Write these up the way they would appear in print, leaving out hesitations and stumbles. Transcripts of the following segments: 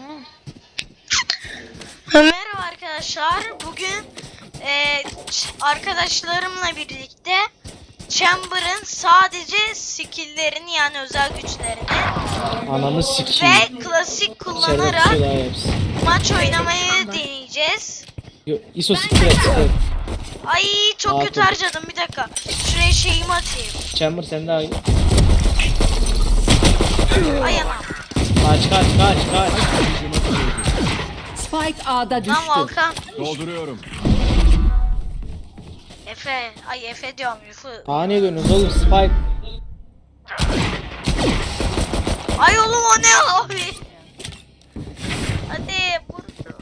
Merhaba arkadaşlar. Bugün arkadaşlarımla birlikte Chamber'ın sadece skill'lerini yani özel güçlerini Ananı sikeyim. ve klasik kullanarak Şerefsiz maç oynamayı deneyeceğiz. ISO sikret. Ay çok kötü harcadım, bir dakika. Şuraya şeyimi atayım. Chamber sen daha iyi. Ay anam. Kaç. Spike A'da düştü. Lan Volkan. Dolduruyorum. Efe. Ay Efe diyorum, Yufu. Niye dönüyorsun oğlum Spike? Ay oğlum o ne abi? Hadi vur.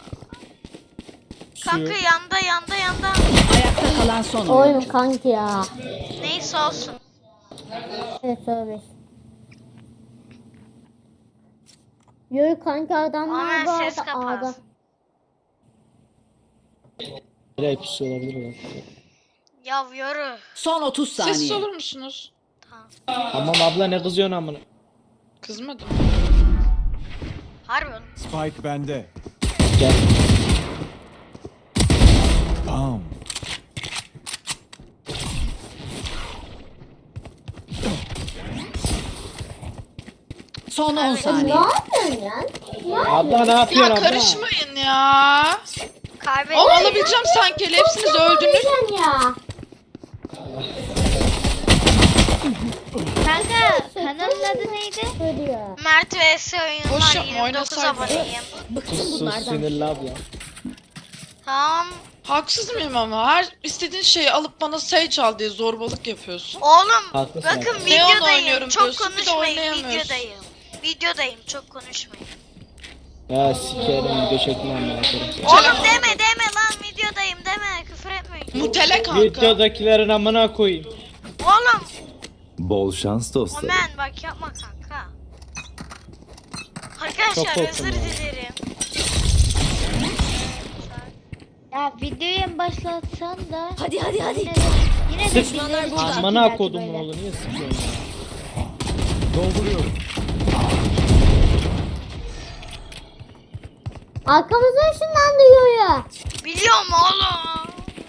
Kanka yanda. Ayakta kalan son Oyun oyuncu. kanki ya. Neyse olsun. Evet söyle. Yürü kanki adamlar Aman bu ses arada kapat. A'da. Nereye pusu olabilir mi? Ya yürü. Son 30 saniye. Sessiz olur musunuz? Tamam abla ne kızıyorsun amına? Kızmadım. Harbi oğlum. Spike bende. Gel. Bam. Son 10 Ne saniye. yapıyorsun ya? Abla ne yapıyorsun Ya abla? karışmayın ya. Kaybettim. O alabileceğim sanki. Hepsiniz öldünüz. Sen ya. Kanka kanalın adı neydi? Söylüyor. Mert vs oyunlar, Boş yapma, 29 oynasaydın. aboneyim. Sus sinirli abla. Tamam. Haksız mıyım ama? Her istediğin şeyi alıp bana Sage al diye zorbalık yapıyorsun. Oğlum Haklısın bakın abi. Neon videodayım, oynuyorum çok diyorsun, bir de konuşmayın, oynayamıyorsun. videodayım, çok konuşmayın. Ya sikerim video çekmem ya. Oğlum deme lan, videodayım deme, küfür etmeyin. Mutele kanka. Videodakilerin amına koyayım. Oğlum Bol şans dostlarım. Omen bak yapma kanka. Çok Arkadaşlar korktum özür ya. dilerim. Ya videoyu başlatsan da. Hadi. Yine de Sırf videoyu başlat amına belki kodum böyle. oğlu niye sıkıyorsun ya? Dolduruyorum. Arkamıza ışınlandı yoya. Biliyorum oğlum.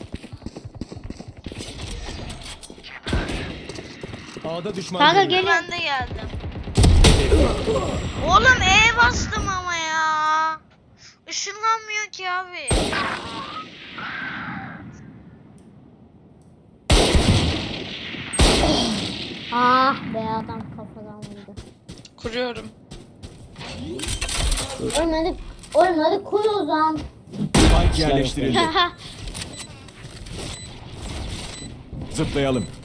A'da düşman Kanka görüyorum. gelin. Ben de geldim. Oğlum bastım ama ya. Işınlanmıyor ki abi. Ah be adam kafadan vurdu. Kuruyorum. Oynadı koy o zaman. Spike yerleştirildi. Zıplayalım.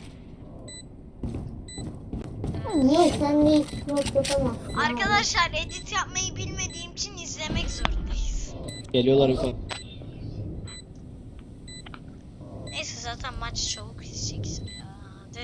Niye sen de hiç yok yapamazsın. Arkadaşlar edit yapmayı bilmediğim için izlemek zorundayız. Geliyorlar yukarı. Neyse zaten maç çabuk izleyeceksin ya. Hadi.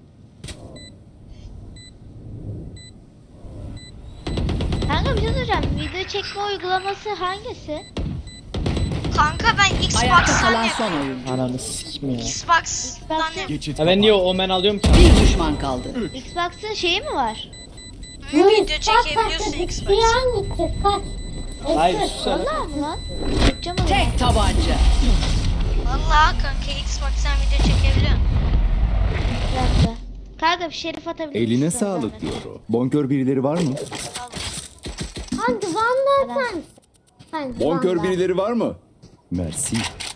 Kanka bir şey soracağım. Video çekme uygulaması hangisi? Kanka ben Ayakta Xbox'tan kalan son yapıyorum. oyuncu. Ananı sikim ya. Xbox'tan yapıyorum. Geçit Ya ben niye Omen alıyorum ki? Bir düşman kaldı. Xbox'ın şeyi mi var? Video çekebiliyorsun Xbox'tan. Yan gidecek kaç. Hayır sus sen. Vallahi mı lan? Yapacağım onu. Tek tabanca. Vallahi kanka Xbox'tan video çekebiliyorsun. Bir dakika. Kanka bir şerif atabilir misin? Eline Sana sağlık zahmet? diyor o. Bonkör birileri var mı? Hangi Van'da sen? Hangi Bonkör Van'da? birileri var mı? Mersi.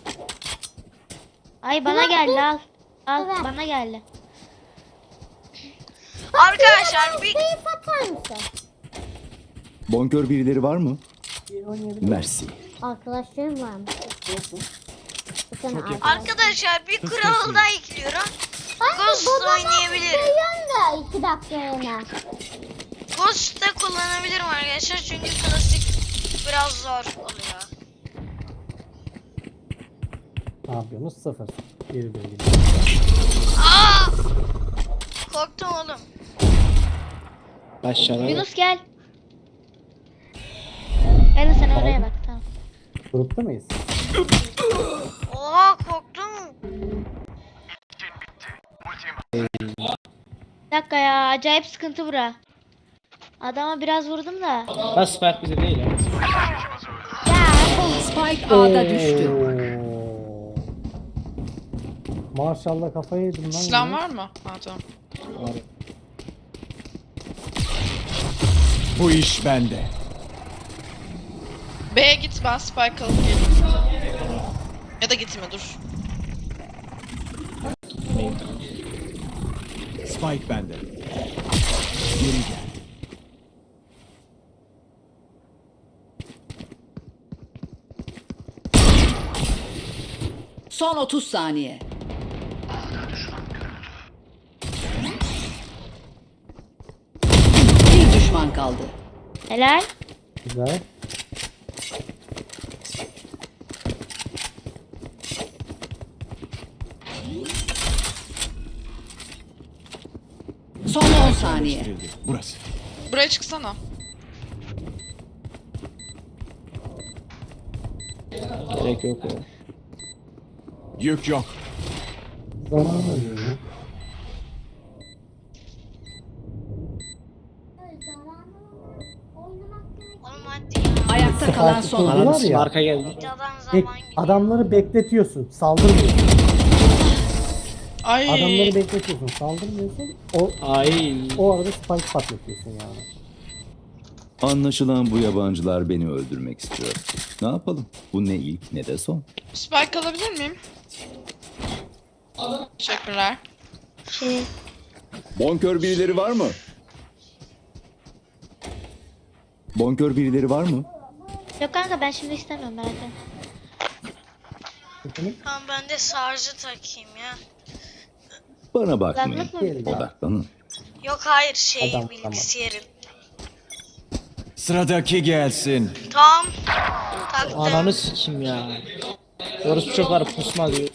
Ay bana geldi al. Al Evet. bana geldi. Arkadaşlar bir Keyif atar mısın? Bonkör birileri var mı? Mersi. Arkadaşlarım var mı? Bir tane arkadaş. arkadaşlar bir kural daha ekliyorum. Ghost oynayabilirim. Geliyorum da 2 dakika yana. Ghost da kullanabilirim arkadaşlar çünkü klasik biraz zor oluyor. Ne yapıyorsunuz? Sıfır. Geri dön. Aa! Korktum oğlum. Aşağıda. Yunus gel. Gel sen oraya bak tamam. Grupta mıyız? Oha korktum. Bir dakika ya acayip sıkıntı bura. Adama biraz vurdum da. Ha Spike bize değil ya. Spike A'da düştü. Oo. Maşallah kafayı yedim lan. Silah yine. var mı? Ha tamam. Var. Bu iş bende. B'ye git, ben spike alıp geleyim. Ya da gitme, dur. Spike bende. Geri gel. Son 30 saniye. Bir düşman kaldı. Helal. Güzel. Son 10 saniye. Burası. Buraya çıksana. Gerek yok ya. Yük yok. Zaman alıyor ya. Oğlum hadi ya. Ayakta kalan son Var oyuncu. Ananı Ya. arka geldi. Videodan Bek, zaman gidiyor. adamları bekletiyorsun. Saldırmıyorsun. Ay. Adamları bekletiyorsun. Saldırmıyorsun. Ay. O arada spike patlatıyorsun yani. Anlaşılan bu yabancılar beni öldürmek istiyor. Ne yapalım? Bu ne ilk ne de son. Spike alabilir miyim? Teşekkürler. Şey, Bonkör birileri var mı? Bonkör birileri var mı? yok kanka ben şimdi istemiyorum merak etme. Efendim? Tamam ben de sarjı takayım ya. Bana bakmayın. Kulaklık mı? Geri gel. Odaklanın. Yok hayır şey Adam, bilgisayarın. Sıradaki gelsin. Tamam. Taktım. Ananı sikim ya. Orası çok var pusma diyor.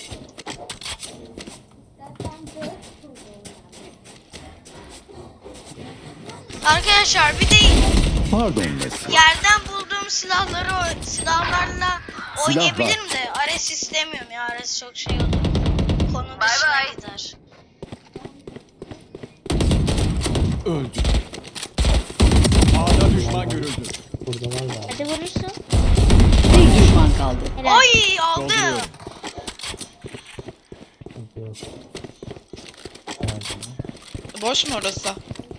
Arkadaşlar bir de Pardon Messi. yerden bulduğum silahlarla Silah oynayabilirim de Ares istemiyorum ya. Ares çok şey olur. Konu dışına gider. Öldü. A'da düşman görüldü. Burada var da. Hadi vurursun. Bir düşman kaldı. Helal. Oy aldı. Sıkıntı yok. Boş mu orası?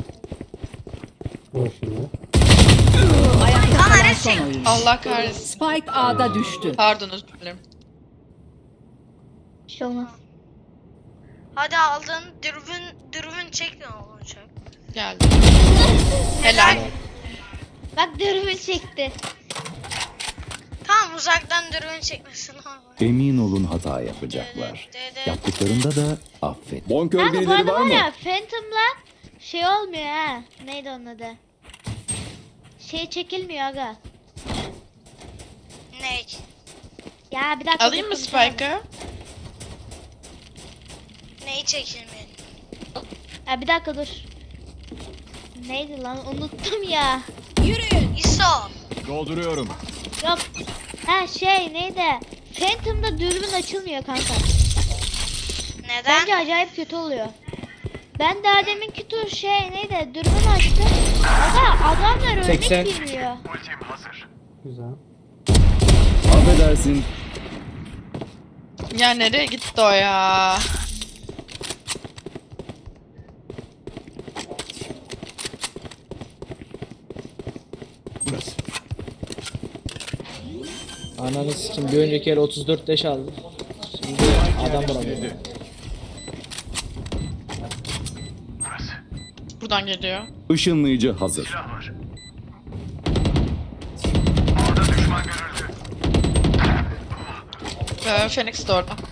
Boş iyi. Ayakta Lan kalan Ares son çek. oyuncu. Allah kahretsin. Spike A'da düştü. Pardon, özür dilerim. Bir şey olmaz. Hadi aldın. Dürbün çek ne olacak? Geldi. Helal. Bak dürbün çekti. Tamam uzaktan dürbün çekmesin ama. Emin olun hata yapacaklar. Yaptıklarında da affet. Bonkör Kanka bu birileri arada var var mı? ya Phantom'la şey olmuyor ha. Neydi onun adı? Şey çekilmiyor aga. Ne? Ya bir dakika. Alayım mı dur, konuşamadım. Spike'ı? Neyi çekilmeyin? Ya bir dakika dur. Neydi lan unuttum ya. ISO. Dolduruyorum. Yok. Ha şey neydi? Phantom'da dürbün açılmıyor kanka. Neden? Bence acayip kötü oluyor. Ben daha deminki tur şey neydi? Dürbün açtım. Aga adamlar örnek 80. girmiyor. Güzel. Affedersin. Ya nereye gitti o ya? Burası. Ananı sikim bir önceki el 34 leş aldı. Şimdi adam bulamıyor. Buradan geliyor. Işınlayıcı hazır. Phoenix de orada.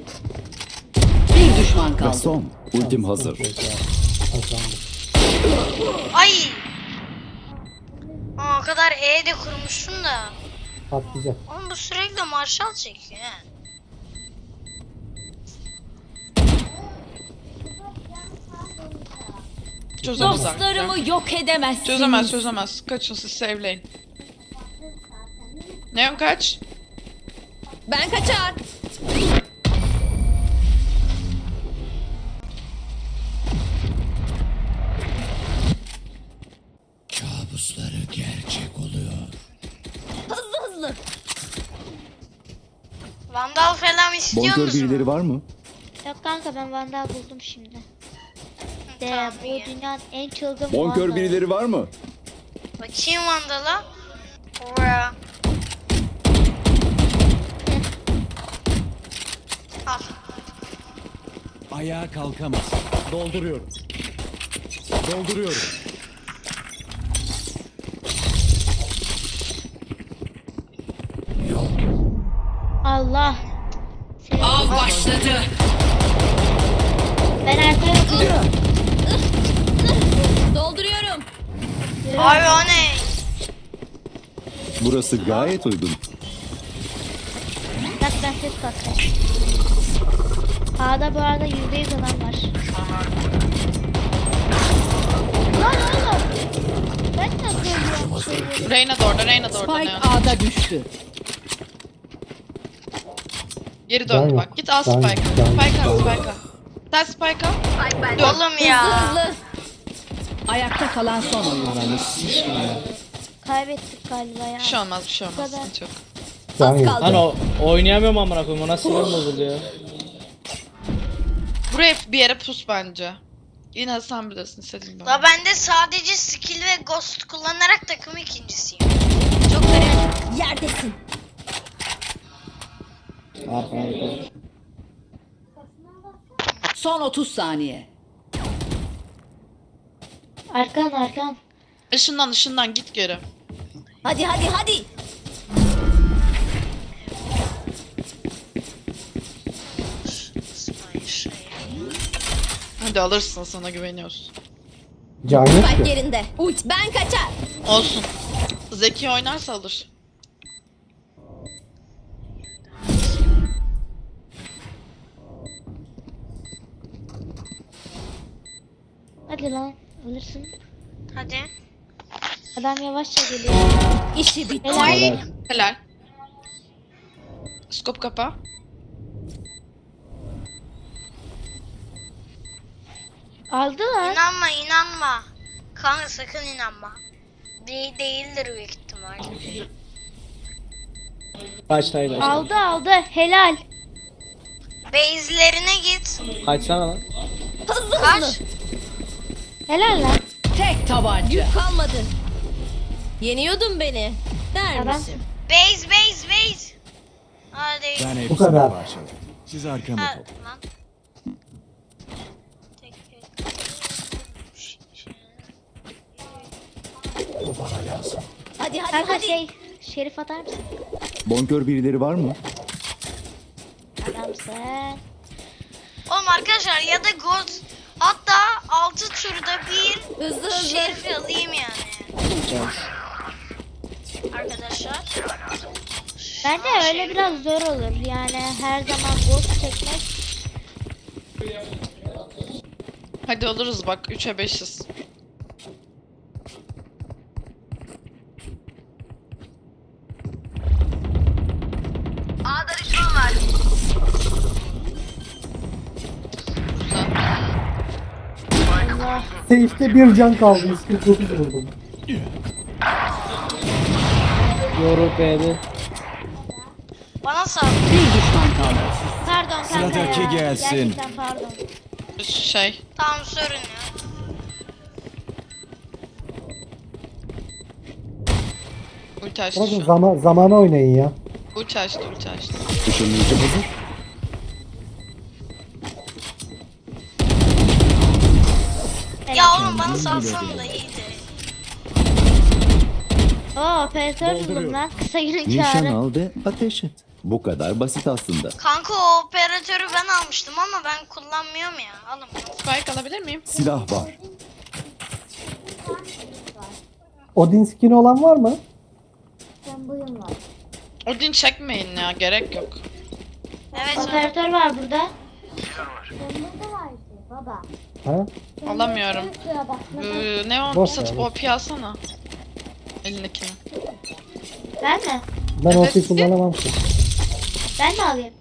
Bir düşman Ve kaldı. son. Ultim hazır. Kazandık. Ay. Aa, o kadar E de kurmuşsun da. Patlayacak. Oğlum bu sürekli marşal çekiyor he. Çözemez artık ya. Dostlarımı yok edemezsiniz. Çözemez. Kaçın siz save'leyin. Neon kaç? Ben kaçar. Vandal falan istiyor Bonkör musun? birileri var mı? Yok kanka ben Vandal buldum şimdi. Tamam, Bu iyi. dünyanın en çılgın Bonkör Vandalı. birileri var mı? Bakayım Vandal'a. Ora. Al. Ayağa kalkamaz. Dolduruyorum. Dolduruyorum. Allah. Av başladı. Ben arkaya bakıyorum. Dolduruyorum. Abi o ne? Burası gayet uygun. Bak ben ses kattım. A'da bu arada %100 adam var. Lan oğlum. Ben nasıl ölüyorum? Reyna da orada, Reyna da orada Spike ne? A'da düştü. Geri döndü bak. Git al Spike'ı. Spike'a, Spike'a. Sen Spike'a. Oğlum ya. Hızlı. Ayakta kalan son oyun. Ananı sikeyim ya. Kaybettik galiba ya. Bir şey olmaz, bir şey olmaz. kadar. Sıkıntı yok. Az kaldı. Lan o oynayamıyorum amına koyayım. O nasıl sinir bozuluyor. Buraya bir yere pus bence. Yine sen bilirsin istediğin gibi. La ben de sadece skill ve ghost kullanarak takım ikincisiyim. Çok garip. Yerdesin. Arkana. Son 30 saniye. Arkan. Işından git geri. Hadi hadi hadi. Hadi alırsın, sana güveniyoruz. Spike yerinde. Uç. Ben kaçar. Olsun. Zeki oynarsa alır. Hadi lan. Alırsın. Hadi. Adam yavaşça geliyor. İşi bitti. Helal. Helal. Skop kapa. Aldı lan. İnanma. Kanka sakın inanma. Değildir büyük ihtimal. Kaçtaydı. Aldı. Helal. Base'lerine git. Kaçsana lan. Hızlı Kaç. hızlı. Helal lan. Tek tabanca. Yük kalmadı. Yeniyordun beni. Der Adam. misin? Base. Hadi. Ben hepsini parçaladım. Siz arkamı Ha, toplayın. lan. Hadi hadi Kanka hadi. Şerif atar mısın? Bonkör birileri var mı? Adamsın. Oğlum arkadaşlar ya da ghost. Hatta 6 turda bir Hızlı hızlı. şerif alayım yani. Arkadaşlar. Bence öyle biraz zor olur. Yani her zaman ghost çekmek. Hadi alırız bak 3'e 5'iz. Allah. Safe'de bir can kaldı. 149 vurdum. Yoru B'de. Bana sal. Bir düşman kaldı. Pardon kanka Sıradaki ya. gelsin. Gerçekten pardon. Şey. Tamam sorun ya. Ulti açtı Bakın şu an. zamana oynayın ya. Ulti açtı. Işınlayıcı hazır. Ya oğlum bana salsana da iyiydi. Oo operatör buldum lan. Kısa günün Nişan kârı. al ve ateş et. Bu kadar basit aslında. Kanka o operatörü ben almıştım ama ben kullanmıyorum ya. Alın bunu. Spike alabilir miyim? Silah var. Odin skin olan var mı? Odin çekmeyin ya, gerek yok. Evet. Operatör var burada. Ha? Alamıyorum. Ne o? Boş Satıp ver. OP alsana. Elindekini. Ben mi? Ben Evet. OP kullanamam ki. Ben mi alayım?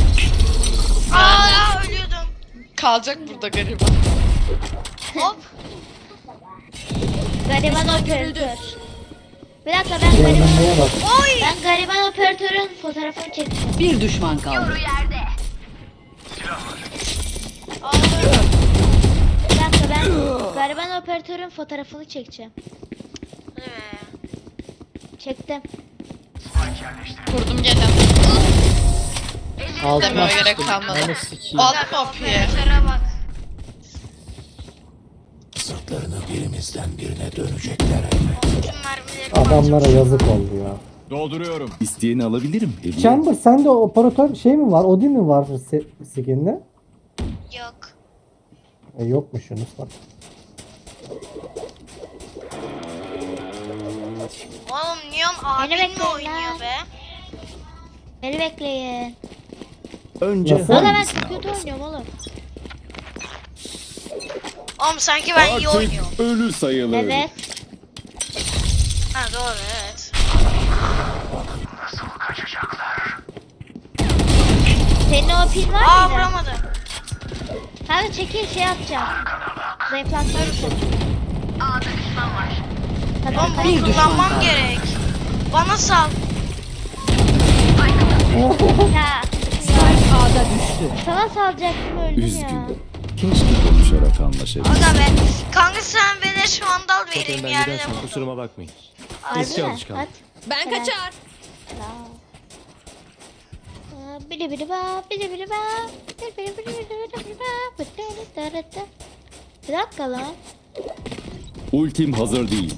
Aa ölüyordum. Kalacak burada gariban. Hop. Gariban operatör. Bir dakika ben gariban. Beğenmeye bak. Oy. Ben Gariban operatörün fotoğrafını çekeceğim. Bir düşman kaldı. Bir dakika ben gariban operatörün fotoğrafını çekeceğim. Çektim. Kurdum gene. Altıma Demeye gerek sıçtım. kalmadı. Beni sikeyim. Aldım OP'ye. Operatöre bak. Sırtlarını birimizden birine dönecekler elbet. Tüm mermileri Adamlara yazık oldu ya. Dolduruyorum. İsteyeni alabilirim. Hediye. Chamber sende operatör şey mi var? Odin mi var skin'de? Yok. Yokmuş Yunus bak. Oğlum Neon abin mi bekleyin oynuyor lan. be? Beni bekleyin. Önce Nasıl? Valla ben hangisini kötü alırsın? oynuyorum oğlum. Oğlum sanki ben iyi oynuyorum. ölü sayılır. Evet. Ha doğru evet. Senin o pil var Aa mıydı? vuramadım. Hadi çekil şey atacağım. Zayıflatma için. Oğlum Bir bunu düşman kullanmam kaldı. gerek. Bana sal. Ya Spike A'da düştü. sana salacaktım öldüm ya. Üzgünüm. Keşke konuşarak anlaşabilsek. Aga be. Kanka sen beleş vandal vereyim Önden yerde gidersen buldum. kusuruma bakmayın. Harbi Eski mi? alışkanlık. At. Ben Helal. kaçar. Bili bili ba, bili bili ba, bili bili bili bili bili ba, bili bili bili. Bir dakika lan. Ultim hazır değil.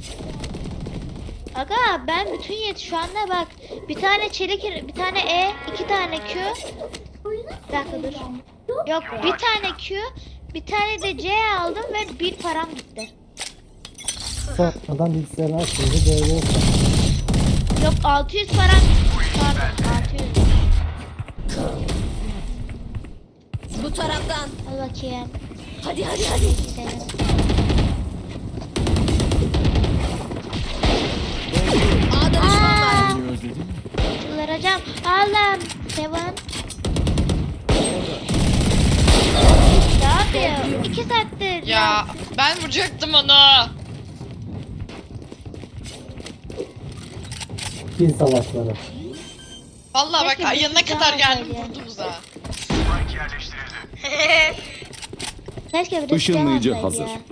Aga ben bütün şu anda bak bir tane çelik, bir tane E, iki tane Q. Bir dakika dur. Yok bir tane Q, bir tane de C aldım ve bir param gitti. Sonradan bilgisayarı açınca böyle Yok 600 param pardon 600. Bu taraftan. Al bakayım. Hadi. Gidelim. A'da düşman var. Aaa! Beni özledin mi? Çıldıracağım. Allah'ım. Seven. Ne yapıyor? 2 saattir. Ya ben vuracaktım onu. pil savaşları. Vallahi bak Keşke yanına bir kadar daha geldim olsaydı. vurdum uzağa. Keşke bir de Işınlayıcı silah hazır. olsaydı ya.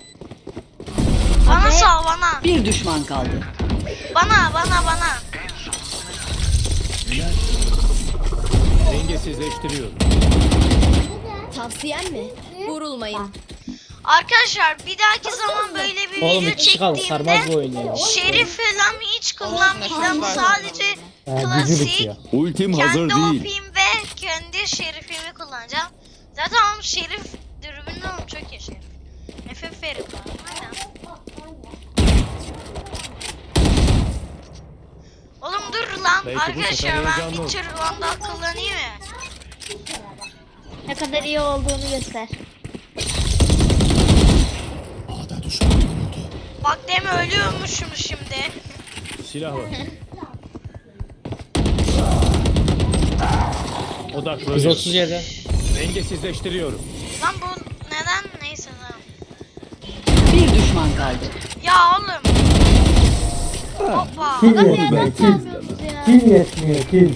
Bana Abi- sal bana. Bir düşman kaldı. Bana. Dengesizleştiriyorum. Tavsiyen mi? Vurulmayın. Arkadaşlar bir dahaki zaman böyle bir Oğlum video bir kişi kaldı. Sarmaz bu çektiğimde oyunu ya. şerif falan hiç kullanmayacağım. Olsun, Sadece Gücü klasik bitiyor. Ultim hazır kendi değil. OP'im ve kendi şerifimi kullanacağım. Zaten oğlum şerif dürbünlü oğlum çok iyi şerif. FF verim var. Aynen. Oğlum dur lan Belki bu arkadaşlar sefer ben heyecanlı olur. Witcher Vandal kullanayım ya. Ne kadar iyi olduğunu göster. A'da düşman görüldü. Bak deme ölüyormuşum şimdi. Silah var. Odaklanıyorum. 137. Dengesizleştiriyorum. Lan bu neden neyse tamam. Bir düşman kaldı. Ya oğlum. Hoppa. Kil Adam bir yetmiyor. adam Kil. çalmıyorsunuz ya. Kil yetmiyor. Kil.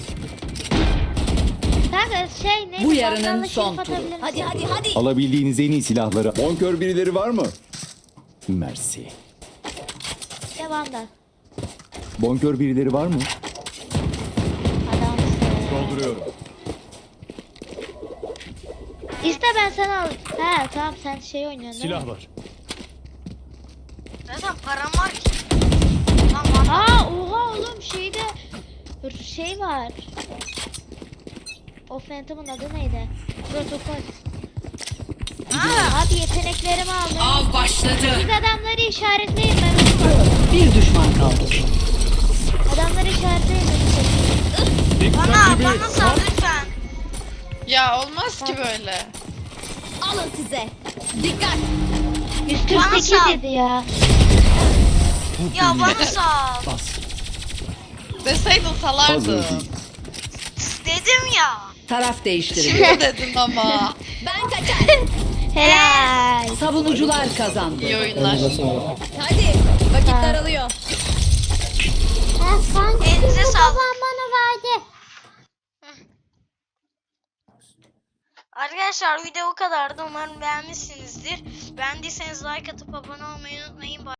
Kanka şey neydi? Bu yarının Vandal'la son şerif turu. atabilir misin? Hadi. Alabildiğiniz en iyi silahları. Bonkör birileri var mı? Mersi. Ya Vandal. Bonkör birileri var mı? Adamsın. Dolduruyorum. İste ben sana al. He tamam sen şey oynuyorsun değil mi? Silah var. Zaten param var ki. Lan Vandal. Aa oha oğlum şeyde şey var. O Phantom'un adı neydi? Protokol. Abi yeteneklerimi aldım. Av başladı. Siz adamları işaretleyin ben onu. Bir düşman kaldı. Adamları işaretleyin beni. Bana sal lütfen. Ya olmaz ki böyle. Alın size. Dikkat. 148 Bana sal. dedi ya. Ya bana sal. Deseydin Hazır salardı. değil. Dedim ya. Taraf değiştirildi. Şimdi dedin ama. Ben kaçar. Helal. Savunucular kazandı. İyi oyunlar. Hadi. Vakit daralıyor. Elinize sağlık. Babam Arkadaşlar video o kadardı. Umarım beğenmişsinizdir. Beğendiyseniz like atıp abone olmayı unutmayın.